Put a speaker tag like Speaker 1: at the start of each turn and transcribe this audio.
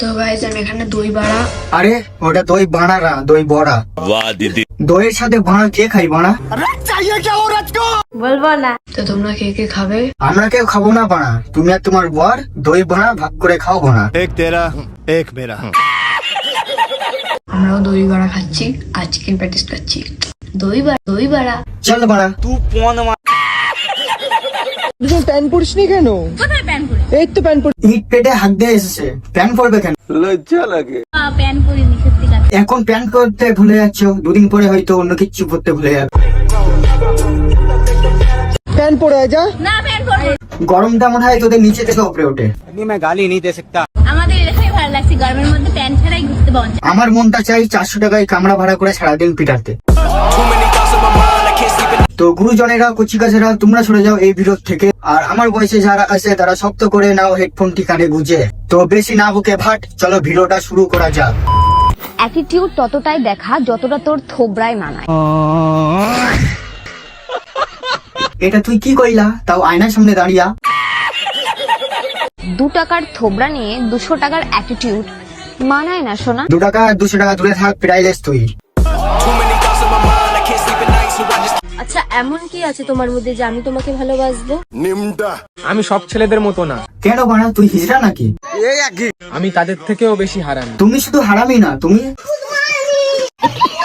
Speaker 1: তো গাইস আমি এখানে দই বাড়া।
Speaker 2: আরে ওটা দই বানা না, দই বড়া।
Speaker 3: वाह दीदी।
Speaker 2: দইয়ের সাথে বানা কে খাই বানা?
Speaker 1: বলবো না। তো তোমরা কে কে খাবে?
Speaker 2: আমরা কেউ খাবো না বানা, তুমি আর তোমার বর দই বানা ভাগ করে খাও বানা।
Speaker 4: एक तेरा एक मेरा।
Speaker 1: আমরাও দই বাড়া খাচ্ছি আর চিকেন প্যাটিস খাচ্ছি। দই বাড়া
Speaker 2: চল বানা।
Speaker 5: প্যান পরিস নি কেন? এই তো প্যান পরি।
Speaker 2: ইট পেটে হাত দিয়ে এসেছে, প্যান পরবে কেন?
Speaker 6: প্যান করিনি সত্যিকার।
Speaker 2: এখন প্যান করতে ভুলে যাচ্ছ, দুদিন পরে হয়তো অন্য কিছু করতে ভুলে যাবে।
Speaker 5: প্যান পরে আয় যা।
Speaker 6: না প্যান করবো।
Speaker 2: গরমটা মনে হয় তোদের নিচে থেকে উপরে ওঠে।
Speaker 6: আমাদের এলাকায় ভালো লাগছে, গরমের মধ্যে প্যান ছাড়াই ঘুরতে পাওয়া যায়।
Speaker 2: আমার মনটা চাই 400 টাকায় কামড়া ভাড়া করে সারাদিন পিটাতে। তো গুরুজনেরা, কচিকাছেরা, তোমরা সরে যাও এই ভিডিও থেকে। আর আমার বয়সে যারা আছে তারা শক্ত করে নাও হেডফোনটি কানে গুঁজে। তো বেশি না বুকে ভাট, চলো ভিডিওটা শুরু করা যাক।
Speaker 7: অ্যাটিটিউড ততটাই দেখা যতটা তোর থোবরায় মানায়।
Speaker 2: এটা তুই কি কইলা, তাও আয়নার সামনে দাঁড়িয়া?
Speaker 7: 2 টাকার থোবরা নিয়ে 200 টাকার অ্যাটিটিউড মানায় না সোনা।
Speaker 2: 2 টাকা 200 টাকা দূরে থাক, প্রাইলেস তুই।
Speaker 8: আচ্ছা এমন কি আছে তোমার মধ্যে যে আমি তোমাকে ভালোবাসবো?
Speaker 9: আমি সব ছেলেদের মতো না,
Speaker 2: কেন বানা, তুই হিজড়া নাকি?
Speaker 9: আমি তাদের থেকেও বেশি হারামি।
Speaker 2: তুমি শুধু হারামি না, তুমি